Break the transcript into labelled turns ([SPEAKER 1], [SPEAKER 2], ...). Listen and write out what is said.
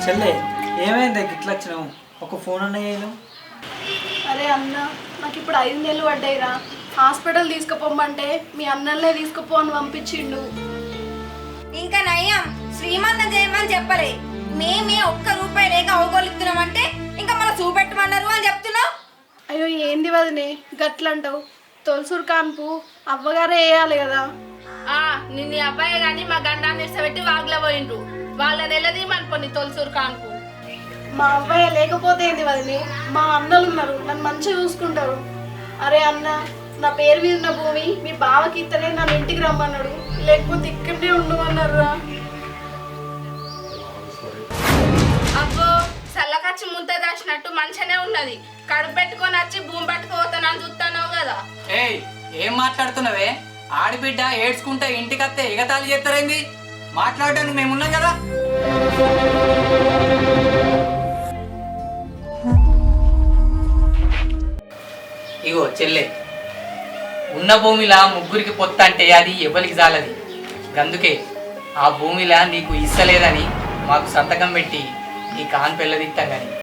[SPEAKER 1] చెల్లె ఏమైంది గిట్ల వచ్చినావు? ఒక ఫోన్ అన్న చేయను.
[SPEAKER 2] అరే అన్న, నాకు ఇప్పుడు 5 నెలలు పడ్డాయిరా. హాస్పిటల్ తీసుకుపోమంటే మీ అన్నలే తీసుకుపో అని పంపించిండు.
[SPEAKER 3] ఇంకా నయ్యం శ్రీమంతం చేయమని చెప్పలే, మేమే ఒక్క రూపాయి లేక అవగోలుతున్నామంటే ఇంకా మన చూపెట్టమన్నారు అని చెప్తున్నావు.
[SPEAKER 2] అయ్యో ఏంది వదినే గట్లంటావు? తొలసూరు కాన్పు అవ్వగారే వేయాలి కదా.
[SPEAKER 4] నిన్న అబ్బాయి కానీ మా గండాన్ని ఇష్టపెట్టి వాగ్లో పోయిండ్రు. వాళ్ళ నెలది మనపోని తొలసూరు కాన్పు.
[SPEAKER 2] మా అబ్బాయి లేకపోతే ఏంది వదినే, మా అన్నలు ఉన్నారు, నన్ను మంచిగా చూసుకుంటారు. అరే అన్న, నా పేరు మీద ఉన్న భూమి మీ బావకి ఇస్తేనే నన్ను ఇంటికి రమ్మన్నాడు, లేకపోతే ఇక్కడే ఉండమన్నారు రా.
[SPEAKER 4] అబ్బో చల్లకచ్చి ముంత దాచినట్టు మంచిగానే ఉన్నది. కడుపు పెట్టుకొని వచ్చి భూమి పట్టుకుపోతానని చూస్తున్నావు కదా.
[SPEAKER 5] ఏయ్ ఏం మాట్లాడుతున్నావే? ఆడిబిడ్డ ఏడ్చుకుంటే ఇంటికత్తే ఎగతాళి చేస్తారేంది? మాట్లాడడానికి మేమున్నాం కదా. ఇగో చెల్లె, ఉన్న భూమిలా ముగ్గురికి పొత్త అంటే అది ఎవరికి జాలది. అందుకే ఆ భూమిలా నీకు ఇస్తలేదని మాకు సంతకం పెట్టి నీ కాన్ పెళ్ళదిస్తాం కానీ